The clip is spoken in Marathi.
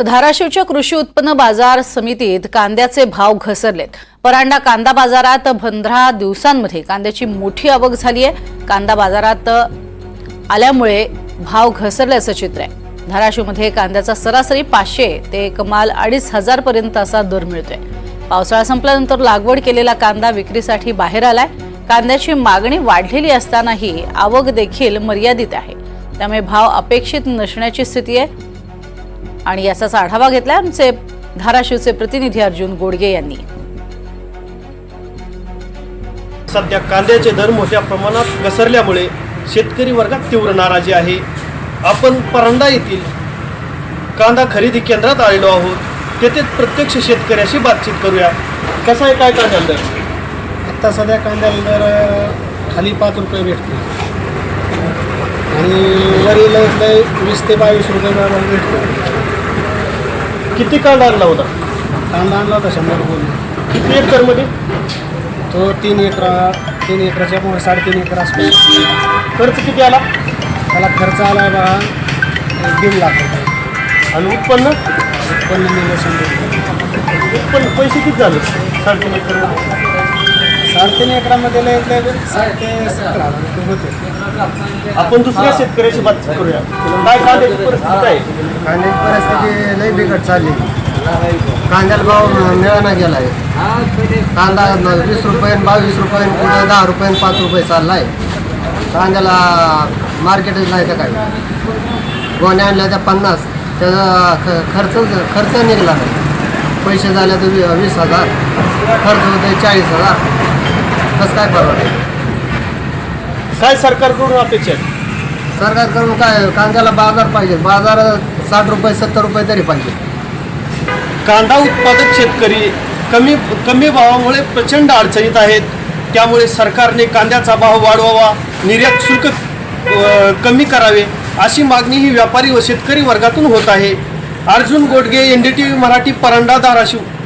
तर धाराशिवच्या कृषी उत्पन्न बाजार समितीत कांद्याचे भाव घसरलेत। परांडा कांदा बाजारात 15 दिवसांमध्ये कांद्याची मोठी आवक झाली आहे। कांदा बाजारात आल्यामुळे भाव घसरल्याचं चित्र आहे। धाराशिवमध्ये कांद्याचा सरासरी 500 ते कमाल 2500 पर्यंत असा दर मिळतोय। पावसाळा संपल्यानंतर लागवड केलेला कांदा विक्रीसाठी बाहेर आलाय। कांद्याची मागणी वाढलेली असतानाही आवक देखील मर्यादित आहे, त्यामुळे भाव अपेक्षित नसण्याची स्थिती आहे। आणि याचाच आढावा घेतला आमचे धाराशिवचे प्रतिनिधी अर्जुन गोडगे यांनी। सध्या कांद्याचे दर मोठ्या प्रमाणात घसरल्यामुळे शेतकरी वर्गात तीव्र नाराजी आहे। आपण परांडा येथील कांदा खरेदी केंद्रात आलेलो आहोत। तेथे प्रत्यक्ष शेतकऱ्याशी बातचीत करूया। कसा आहे काय कांदा दर? आता सध्या कांद्याला दर खाली 5 रुपये भेटते आणि वरील 20 ते 22 रुपये भेटतो। किती कांदा आणला होता? कांदा आणला होता 100 रुपये। किती एकरमध्ये? तो 3 एकराच्या 3.5 एकर असतो। खर्च किती आला? त्याला खर्च आला बा 1.5 लाख रुपये आणि उत्पन्न मिळालं 100 रुपये। उत्पन्न पैसे किती झाले? 3.5 एकर 3.5 एकरामध्ये लय 60 ते 70 हजार रुपये होते। आपण दुसऱ्या शेतकऱ्याशी बातचीत करूया। काय कांद्याची परिस्थिती काय? कांद्याची परिस्थिती लई बिकट चालली। कांद्याला भाव मिळाना गेला आहे। कांदा 20 रुपये 22 रुपये पुढे 10 रुपये 5 रुपये चालला आहे। कांद्याला मार्केटच नाही तर काय। गोण्या आणल्या त्या 50, त्याचा खर्च निघाला नाही। पैसे झाले तर 20,000, खर्च होते 40,000। कसं काय परवडेल? काय सरकारकडून अपेक्षा आहे? सरकारकडून काय, कांद्याला बाजार पाहिजे। बाजार 60 रुपये 70 रुपये तरी पाहिजे। कांदा उत्पादक शेतकरी कमी भावामुळे प्रचंड अडचणीत आहेत। त्यामुळे सरकारने कांद्याचा भाव वाढवावा, निर्यात शुल्क कमी करावे अशी मागणी ही व्यापारी व शेतकरी वर्गातून होत आहे। अर्जुन गोडगे, NDTV मराठी, परांडा, धाराशिव।